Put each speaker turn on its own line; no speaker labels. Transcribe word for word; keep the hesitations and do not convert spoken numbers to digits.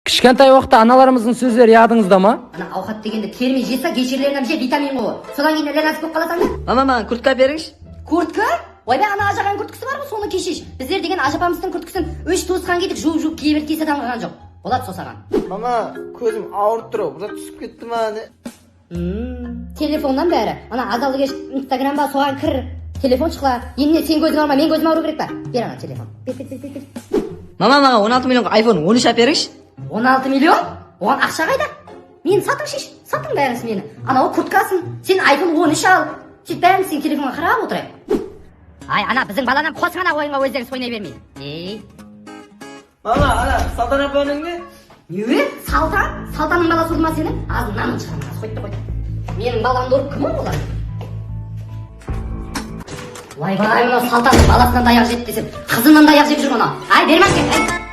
Кішкентай уақытта аналарымыздың сөздері ядыңызда ма?
Ана аухат дегенде терме жесе кешірілерінен же витамин ғой. Содан кейін ленас болып қаласың да?
Мама, маған куртка беріңізші.
Куртка? Ойбай, ана ажаған курткасы бар ғой, соны кешеш. Біздер деген ажапамыздың курткасын үш туысқан кедік жуып-жуып кие берді кесе таңғаған жоқ. Болады сосаған.
Мама, көзім ауырып тұр, бұра түсіп кетті ма не?
Телефоннан бәрі. Ана азалды кеш Инстаграмға соған кір. Телефон шықла. Емне сен көзің алма, мен көзім ауыру керек па? Бер ана телефон. Бер, бер, бер, бер.
Мама, маған он алты миллионға айфон он үш әперіңізші.
он алты миллион? Оған ақша қайда? Мен сатың шеш, сатың бәріңіз мені. Анау курткасын, сен айфон он үш ал. Сөйт бәріміз сен телефонға қарап отырайық. Ай, ана біздің баладан қосың ана ойынға өздеріңіз ойнай бермей. Ей.
Мама, ана Салтан апаның не?
Не? Салтан? Салтанның баласы ұрма сені? Азынан шығарма, қойды қойды. Менің баламды ұрып кім олар? Вай-вай, мына Салтанның баласынан даяқ жеді десем, қызынан даяқ жеп жүр мұны. Ай, бермәң ке.